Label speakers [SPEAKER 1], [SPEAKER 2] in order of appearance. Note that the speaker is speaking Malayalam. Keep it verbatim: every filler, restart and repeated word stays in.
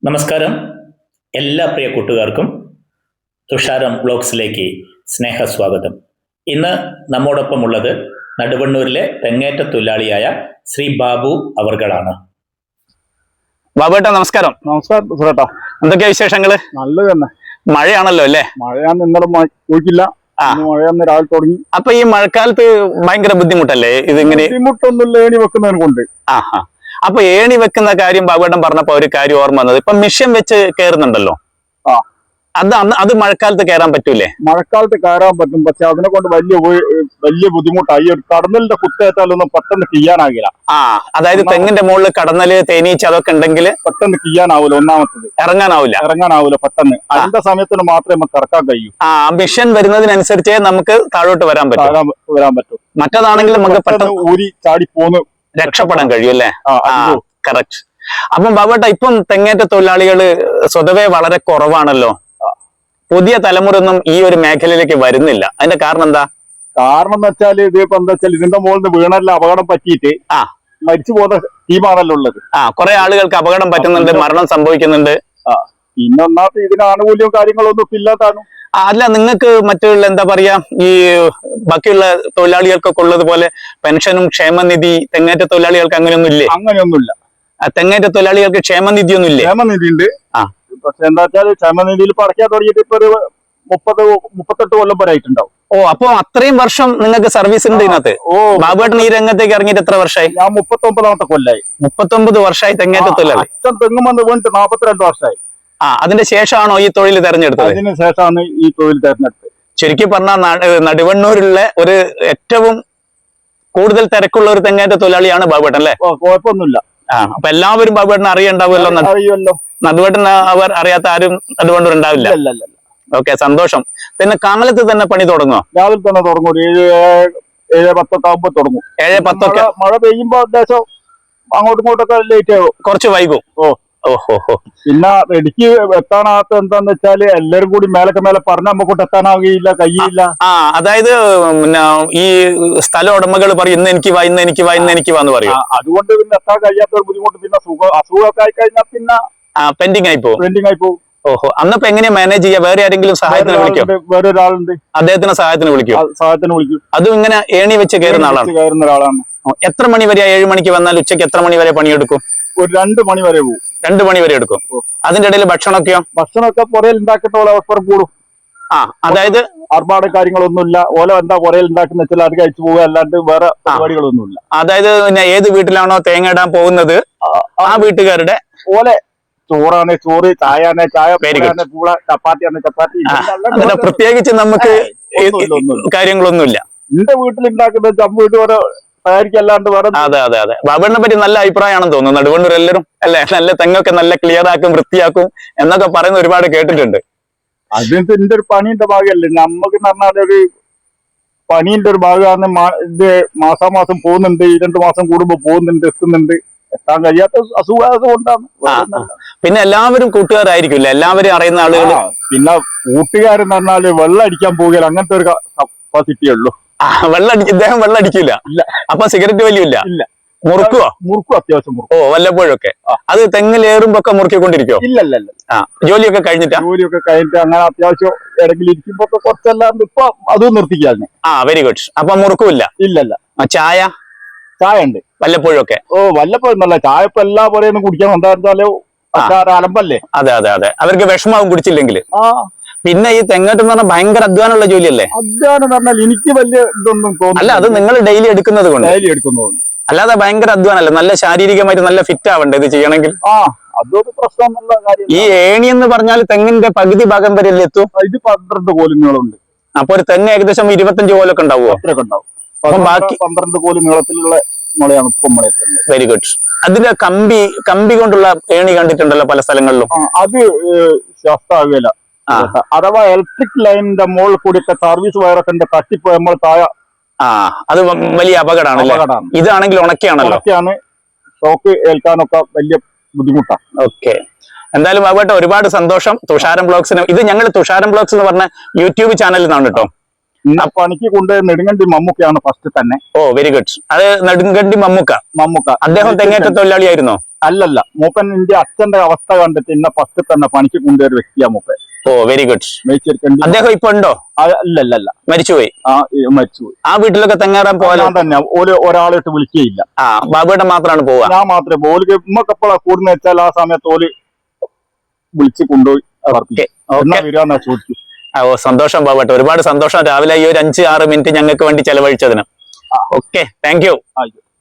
[SPEAKER 1] നമസ്കാരം. എല്ലാ പ്രിയ കൂട്ടുകാർക്കും തുഷാരം ബ്ലോഗ്സിലേക്ക് സ്നേഹസ്വാഗതം. ഇന്ന് നമ്മോടൊപ്പമുള്ളത് നടുവണ്ണൂരിലെ തെങ്ങേറ്റ തൊഴിലാളിയായ ശ്രീ ബാബു അവർകളാണ്.
[SPEAKER 2] ബാബുട്ട നമസ്കാരം.
[SPEAKER 3] നമസ്കാരം സുരേട്ടാ.
[SPEAKER 2] എന്തൊക്കെയാ വിശേഷങ്ങള്?
[SPEAKER 3] നല്ലത് തന്നെ.
[SPEAKER 2] മഴയാണല്ലോ അല്ലേ?
[SPEAKER 3] മഴയാന്ന് ഇന്നലെ പോയിട്ടില്ല, മഴയാന്ന് രാവിലെ തുടങ്ങി.
[SPEAKER 2] അപ്പൊ ഈ മഴക്കാലത്ത് ഭയങ്കര ബുദ്ധിമുട്ടല്ലേ ഇതിങ്ങനെ?
[SPEAKER 3] ബുദ്ധിമുട്ടൊന്നുമില്ല, ഏണി വെക്കുന്നതിന് കൊണ്ട്.
[SPEAKER 2] ആഹാ. അപ്പൊ ഏണി വെക്കുന്ന കാര്യം ബാബുട്ടൻ പറഞ്ഞപ്പോ ഒരു കാര്യം ഓർമ്മ വന്നത്, ഇപ്പൊ മിഷൻ വെച്ച് കയറുന്നുണ്ടല്ലോ,
[SPEAKER 3] ആ
[SPEAKER 2] അത് അത് മഴക്കാലത്ത് കയറാൻ പറ്റൂലേ?
[SPEAKER 3] മഴക്കാലത്ത് കയറാൻ പറ്റും, പക്ഷെ അതിനെ കൊണ്ട് വലിയ വലിയ ബുദ്ധിമുട്ടായി. ഒരു കടന്നലിന്റെ കുത്തേറ്റാലൊന്നും പെട്ടെന്ന് ചെയ്യാനാകില്ല.
[SPEAKER 2] ആ അതായത് തെങ്ങിന്റെ മുകളിൽ കടന്നല് തേനീച്ച അതൊക്കെ ഉണ്ടെങ്കിൽ പെട്ടെന്ന്
[SPEAKER 3] ചെയ്യാനാവൂല. ഒന്നാമത്തത് ഇറങ്ങാനാവൂല ഇറങ്ങാനാവൂല പെട്ടെന്ന്. അതിന്റെ സമയത്തിന് മാത്രമേ നമുക്ക് ഇറക്കാൻ കഴിയൂ.
[SPEAKER 2] ആ മിഷൻ വരുന്നതിനനുസരിച്ചേ നമുക്ക് താഴോട്ട് വരാൻ പറ്റും
[SPEAKER 3] വരാൻ പറ്റും
[SPEAKER 2] മറ്റേതാണെങ്കിൽ നമുക്ക് പെട്ടെന്ന്
[SPEAKER 3] ഊരി ചാടി പോന്ന്
[SPEAKER 2] രക്ഷപ്പെടാൻ കഴിയും അല്ലേ? കറക്റ്റ്. അപ്പം ബാബുട്ട, ഇപ്പം തെങ്ങേറ്റ തൊഴിലാളികള് സ്വതവേ വളരെ കുറവാണല്ലോ. പുതിയ തലമുറ ഒന്നും ഈ ഒരു മേഖലയിലേക്ക് വരുന്നില്ല. അതിന്റെ കാരണം എന്താ?
[SPEAKER 3] കാരണം എന്ന് വെച്ചാല് ഇതിപ്പോ എന്താ വെച്ചാൽ ഇതിന്റെ മുകളിൽ വീണല്ല അപകടം പറ്റിയിട്ട് ആ മരിച്ചു പോകുന്ന ടീമാണല്ലോ ഉള്ളത്.
[SPEAKER 2] ആ കുറെ ആളുകൾക്ക് അപകടം പറ്റുന്നുണ്ട്, മരണം സംഭവിക്കുന്നുണ്ട്.
[SPEAKER 3] ആ പിന്നെ ഒന്നാമത് ഇതിന് ആനുകൂല്യവും കാര്യങ്ങളൊന്നും ഇല്ലാതാണ്.
[SPEAKER 2] അല്ല, നിങ്ങൾക്ക് മറ്റുള്ള എന്താ പറയാ, ഈ ബാക്കിയുള്ള തൊഴിലാളികൾക്കൊക്കെ ഉള്ളതുപോലെ പെൻഷനും ക്ഷേമനിധി തെങ്ങേറ്റ തൊഴിലാളികൾക്ക് അങ്ങനെയൊന്നും ഇല്ലേ?
[SPEAKER 3] അങ്ങനെയൊന്നുമില്ല.
[SPEAKER 2] തെങ്ങേറ്റ തൊഴിലാളികൾക്ക് ക്ഷേമനിധി ഒന്നും ഇല്ലേ?
[SPEAKER 3] ക്ഷേമനിധി ഉണ്ട്. ആ പക്ഷെ എന്താ വെച്ചാൽ ക്ഷേമനിധിയിൽ പടക്കാൻ തുടങ്ങിയിട്ട് ഇപ്പൊ ഒരു മുപ്പത് മുപ്പത്തെട്ട് കൊല്ലം വരെ ആയിട്ടുണ്ടാവും.
[SPEAKER 2] ഓ, അപ്പൊ അത്രയും വർഷം നിങ്ങൾക്ക് സർവീസ് ഉണ്ട് ഇതിനകത്ത്. ഓ, ബാബുട്ടൻ ഈ രംഗത്തേക്ക് ഇറങ്ങിയിട്ട് എത്ര വർഷമായി?
[SPEAKER 3] ഞാൻ മുപ്പത്തി ഒമ്പതാമത്തെ കൊല്ലായി.
[SPEAKER 2] മുപ്പത്തൊമ്പത് വർഷമായി തെങ്ങേറ്റ തൊഴിലാളി.
[SPEAKER 3] തെങ്ങും വന്ന് വീണിട്ട് നാപ്പത്തിരണ്ട് വർഷമായി.
[SPEAKER 2] ആ അതിന്റെ ശേഷമാണോ ഈ തൊഴിൽ തെരഞ്ഞെടുത്തത്?
[SPEAKER 3] അതിന് ശേഷമാണ് ഈ തൊഴിൽ തെരഞ്ഞെടുത്തത്.
[SPEAKER 2] ചുരുക്കി പറഞ്ഞാൽ നടുവണ്ണൂരിലുള്ള ഒരു ഏറ്റവും കൂടുതൽ തിരക്കുള്ള ഒരു തെങ്ങേറ്റ തൊഴിലാളിയാണ് ബാബുട്ടൻ അല്ലേ?
[SPEAKER 3] കുഴപ്പമൊന്നുമില്ല.
[SPEAKER 2] ആ അപ്പൊ എല്ലാവരും ബാബുട്ടൻ അറിയണ്ടാവുമല്ലോ.
[SPEAKER 3] അറിയുമല്ലോ.
[SPEAKER 2] നടുവട്ടൻ അവർ അറിയാത്ത ആരും നടുവണ്ണൂർ ഉണ്ടാവില്ല. ഓക്കെ, സന്തോഷം. പിന്നെ കാലത്ത് തന്നെ പണി തുടങ്ങുമോ?
[SPEAKER 3] രാവിലെ തന്നെ തുടങ്ങും. ഒരു ഏഴ് ഏഴ് പത്തൊക്കെ ആകുമ്പോ തുടങ്ങും.
[SPEAKER 2] ഏഴ് പത്തൊക്കെ
[SPEAKER 3] മഴ പെയ്യുമ്പോ അത്യാവശ്യം അങ്ങോട്ടും ഇങ്ങോട്ടൊക്കെ ലേറ്റ് ആകും,
[SPEAKER 2] കുറച്ച് വൈകും. ഓ ഓഹോ. പിന്നെ
[SPEAKER 3] ഇടുക്കി എത്താനാകത്ത എന്താന്ന് വെച്ചാല് എല്ലാരും കൂടി മേലൊക്കെ മേലെ പറഞ്ഞ നമുക്കൊട്ട് എത്താനാവുകയില്ല, കഴിയില്ല.
[SPEAKER 2] ആ അതായത് പിന്നെ ഈ സ്ഥല ഉടമകൾ പറയും ഇന്ന് എനിക്ക് വാ, ഇന്ന് എനിക്ക് വാ, ഇന്ന് എനിക്ക് വാന്ന് പറയും.
[SPEAKER 3] അതുകൊണ്ട് പിന്നെ എത്താൻ കഴിയാത്ത ഒരു ബുദ്ധിമുട്ട്. പിന്നെ സുഖം അസുഖമൊക്കെ ആയി കഴിഞ്ഞാൽ പിന്നെ
[SPEAKER 2] പെൻഡിങ് ആയി പോകും.
[SPEAKER 3] പെൻഡിങ് ആയി പോകും.
[SPEAKER 2] ഓഹോ. അന്നപ്പോ എങ്ങനെയാ മാനേജ് ചെയ്യാ? വേറെ ആരെങ്കിലും സഹായത്തിന് വിളിക്കും?
[SPEAKER 3] വേറെ ഒരാളുണ്ട്,
[SPEAKER 2] അദ്ദേഹത്തിന് സഹായത്തിന് വിളിക്കും.
[SPEAKER 3] സഹായത്തിന് വിളിക്കും.
[SPEAKER 2] അതും ഇങ്ങനെ ഏണി വെച്ച് കയറുന്ന ആളാണ്.
[SPEAKER 3] കയറുന്ന ഒരാളാണ്.
[SPEAKER 2] എത്ര മണി വരെ? ഏഴ് മണിക്ക് വന്നാൽ ഉച്ചയ്ക്ക് എത്ര മണി വരെ പണിയെടുക്കും?
[SPEAKER 3] ഒരു രണ്ട് മണി വരെ പോകും.
[SPEAKER 2] രണ്ടു മണി വരെ എടുക്കും. അതിന്റെ ഇടയിൽ ഭക്ഷണമൊക്കെയോ?
[SPEAKER 3] ഭക്ഷണമൊക്കെ പുറയിൽ ഉണ്ടാക്കുന്ന അവസരം കൂടും.
[SPEAKER 2] ആ അതായത്
[SPEAKER 3] ആർഭാട് കാര്യങ്ങളൊന്നുമില്ല. ഓല എന്താ പുറയിൽ ഉണ്ടാക്കുന്ന വെച്ചാൽ അത് കഴിച്ചു പോകുക, അല്ലാണ്ട് വേറെ പരിപാടികളൊന്നുമില്ല.
[SPEAKER 2] അതായത് പിന്നെ ഏത് വീട്ടിലാണോ തേങ്ങ ഇടാൻ പോകുന്നത് ആ വീട്ടുകാരുടെ ഓല
[SPEAKER 3] ചോറാണ് ചോറ്, ചായയാണ് ചായ, പൂള, ചപ്പാത്തിയാണ് ചപ്പാത്തി.
[SPEAKER 2] പ്രത്യേകിച്ച് നമുക്ക് കാര്യങ്ങളൊന്നുമില്ല.
[SPEAKER 3] എന്റെ വീട്ടിൽ ഉണ്ടാക്കുന്ന ചമ്മ വീട്ട് വരെ തയ്യാറിക്കല്ലാണ്ട് വേറെ.
[SPEAKER 2] അതെ അതെ അതെ. ബാബുവിനെ പറ്റി നല്ല അഭിപ്രായമാണെന്ന് തോന്നുന്നു. നടുവണ്ണൂർ എല്ലാവരും അല്ലെ നല്ല തെങ്ങൊക്കെ നല്ല ക്ലിയർ ആക്കും, വൃത്തിയാക്കും എന്നൊക്കെ പറയുന്ന ഒരുപാട് കേട്ടിട്ടുണ്ട്.
[SPEAKER 3] അതിന്റെ എന്റെ ഒരു പണീന്റെ ഭാഗമല്ലേ നമുക്ക് പറഞ്ഞാൽ ഒരു പണീന്റെ ഒരു ഭാഗമാണ്. ഇത് മാസാമാസം പോകുന്നുണ്ട്, ഈ രണ്ടു മാസം കൂടുമ്പോ പോകുന്നുണ്ട്, എത്തുന്നുണ്ട്. എത്താൻ കഴിയാത്ത അസുഖം കൊണ്ടാണ്.
[SPEAKER 2] പിന്നെ എല്ലാവരും കൂട്ടുകാരായിരിക്കില്ല, എല്ലാവരും അറിയുന്ന ആളുകൾ.
[SPEAKER 3] പിന്നെ കൂട്ടുകാരെന്ന് പറഞ്ഞാല് വെള്ളം അടിക്കാൻ പോവുകയില്ല, അങ്ങനത്തെ ഒരു കപ്പാസിറ്റിയേ ഉള്ളൂ.
[SPEAKER 2] വെള്ളം അടിക്കും, ഇദ്ദേഹം വെള്ളം അടിക്കില്ല. അപ്പൊ സിഗരറ്റ് വലിയില്ല.
[SPEAKER 3] ഇല്ല.
[SPEAKER 2] മുറുക്കുവോ?
[SPEAKER 3] മുറുക്കും, അത്യാവശ്യം മുറുക്കും.
[SPEAKER 2] ഓ, വല്ലപ്പോഴൊക്കെ. അത് തെങ്ങിലേറുമ്പോ ഒക്കെ മുറുക്കിക്കൊണ്ടിരിക്കോ?
[SPEAKER 3] ഇല്ല ഇല്ല ഇല്ല.
[SPEAKER 2] ആ ജോലിയൊക്കെ കഴിഞ്ഞിട്ടാ?
[SPEAKER 3] ജോലിയൊക്കെ കഴിഞ്ഞിട്ട് അങ്ങനെ അത്യാവശ്യം ഇടയ്ക്കിൽ ഇരിക്കുമ്പോ കുറച്ചെല്ലാം ഇപ്പൊ അതും നിർത്തിക്കാണ്.
[SPEAKER 2] ആ വെരി ഗുഡ്. അപ്പൊ മുറുക്കുമില്ല?
[SPEAKER 3] ഇല്ല ഇല്ല.
[SPEAKER 2] ചായ?
[SPEAKER 3] ചായ ഉണ്ട്
[SPEAKER 2] വല്ലപ്പോഴൊക്കെ.
[SPEAKER 3] ഓ വല്ലപ്പോഴും നല്ല ചായ ഇപ്പൊ എല്ലാ പോലെയൊന്നും കുടിക്കാൻ എന്താ വെച്ചാല് അലമ്പല്ലേ.
[SPEAKER 2] അതെ അതെ അതെ. അവർക്ക് വിഷമാവും കുടിച്ചില്ലെങ്കിൽ.
[SPEAKER 3] ആ
[SPEAKER 2] പിന്നെ ഈ തെങ്ങോട്ട് എന്ന് പറഞ്ഞാൽ ഭയങ്കര അധ്വാനമുള്ള ജോലിയല്ലേ?
[SPEAKER 3] അധ്വാനം എന്ന് പറഞ്ഞാൽ എനിക്ക് വലിയ ഇതൊന്നും തോന്നുന്നു.
[SPEAKER 2] അല്ല, അത് നിങ്ങൾ ഡെയിലി എടുക്കുന്നത് കൊണ്ട്.
[SPEAKER 3] ഡെയിലി എടുക്കുന്നതുകൊണ്ട്.
[SPEAKER 2] അല്ലാതെ ഭയങ്കര അധ്വാനമല്ലേ, നല്ല ശാരീരികമായിട്ട് നല്ല ഫിറ്റ് ആവണ്ടേ ഇത് ചെയ്യണമെങ്കിൽ?
[SPEAKER 3] ആ അതൊരു പ്രശ്നമുള്ള കാര്യം.
[SPEAKER 2] ഈ ഏണി എന്ന് പറഞ്ഞാൽ തെങ്ങിന്റെ പകുതി ഭാഗം വരെ എത്തും.
[SPEAKER 3] ഇത് പന്ത്രണ്ട് കോല് നീളമുണ്ട്.
[SPEAKER 2] അപ്പൊ ഒരു തെങ്ങ് ഏകദേശം ഇരുപത്തഞ്ച് കോലൊക്കെ ഉണ്ടാവുമോ?
[SPEAKER 3] അത്രയൊക്കെ ഉണ്ടാവും.
[SPEAKER 2] അപ്പൊ ബാക്കി
[SPEAKER 3] പന്ത്രണ്ട് കോല് നീളത്തിലുള്ള മുളയാണ് ഇപ്പം മുള.
[SPEAKER 2] Very good. അതിന്റെ കമ്പി കമ്പി കൊണ്ടുള്ള ഏണി കണ്ടിട്ടുണ്ടല്ലോ പല സ്ഥലങ്ങളിലും.
[SPEAKER 3] അത് ശാസ്ത്രാവില്ല. അഥവാ ഇലക്ട്രിക് ലൈനിന്റെ മുകളിൽ കൂടിയൊക്കെ സർവീസ് വയറൊക്കെ തട്ടിപ്പോ നമ്മൾ താഴെ.
[SPEAKER 2] ആ അത് വലിയ അപകടമാണ്. ഇതാണെങ്കിൽ ഉണക്കിയാണല്ലോ.
[SPEAKER 3] ഉണക്കിയാണ്. ഷോക്ക് ഏൽക്കാനൊക്കെ വലിയ ബുദ്ധിമുട്ടാണ്.
[SPEAKER 2] ഓക്കെ, എന്തായാലും ബാബുട്ട ഒരുപാട് സന്തോഷം. തുഷാരം ബ്ലോഗ്സിന് ഇത് ഞങ്ങൾ തുഷാരം ബ്ലോഗ്സ് എന്ന് പറഞ്ഞ യൂട്യൂബ് ചാനലിൽ നിന്നാണ് കേട്ടോ.
[SPEAKER 3] ഇന്ന പണിക്ക് കൊണ്ട് നെടുങ്കണ്ടി മമ്മൂക്കയാണ് ഫസ്റ്റ് തന്നെ.
[SPEAKER 2] ഓ വെരി ഗുഡ്. അത് നെടുങ്കണ്ടി മമ്മൂക്ക.
[SPEAKER 3] മമ്മൂക്ക
[SPEAKER 2] അദ്ദേഹം തെങ്ങേറ്റ തൊഴിലാളിയായിരുന്നോ?
[SPEAKER 3] അല്ലല്ല, മൂപ്പൻ എന്റെ അച്ഛന്റെ അവസ്ഥ കണ്ടിട്ട് ഇന്ന ഫസ്റ്റ് തന്നെ പണിക്ക് കൊണ്ടുവരു വ്യക്തിയാ മൂപ്പൻ.
[SPEAKER 2] ഓ വെരി ഗുഡ്.
[SPEAKER 3] മേച്ചിരിക്കണ്ടി
[SPEAKER 2] അദ്ദേഹം ഇപ്പൊ ഉണ്ടോ?
[SPEAKER 3] അല്ലല്ല,
[SPEAKER 2] മരിച്ചുപോയി.
[SPEAKER 3] ആ മരിച്ചുപോയി.
[SPEAKER 2] ആ വീട്ടിലൊക്കെ തെങ്ങേറാൻ പോകാൻ
[SPEAKER 3] തന്നെ ഓല് ഒരാളിട്ട് വിളിക്കുകയില്ല.
[SPEAKER 2] ആ ബാബുവേട്ടൻ മാത്രമാണ് പോവുക.
[SPEAKER 3] ഞാൻ മാത്രമേ ഓല് ഉമ്മക്കെപ്പോഴാ കൂടുന്ന വെച്ചാൽ ആ സമയത്ത് ഓല് വിളിച്ച് കൊണ്ടുപോയി വരാന്നാ ചോദിച്ചു.
[SPEAKER 2] ഓ സന്തോഷം ബാബുവേട്ടൻ, ഒരുപാട് സന്തോഷം. രാവിലെ ഈ ഒരു അഞ്ച് ആറ് മിനിറ്റ് ഞങ്ങൾക്ക് വേണ്ടി ചെലവഴിച്ചതിന്. Okay, thank you.
[SPEAKER 3] ആയിക്കോട്ടെ.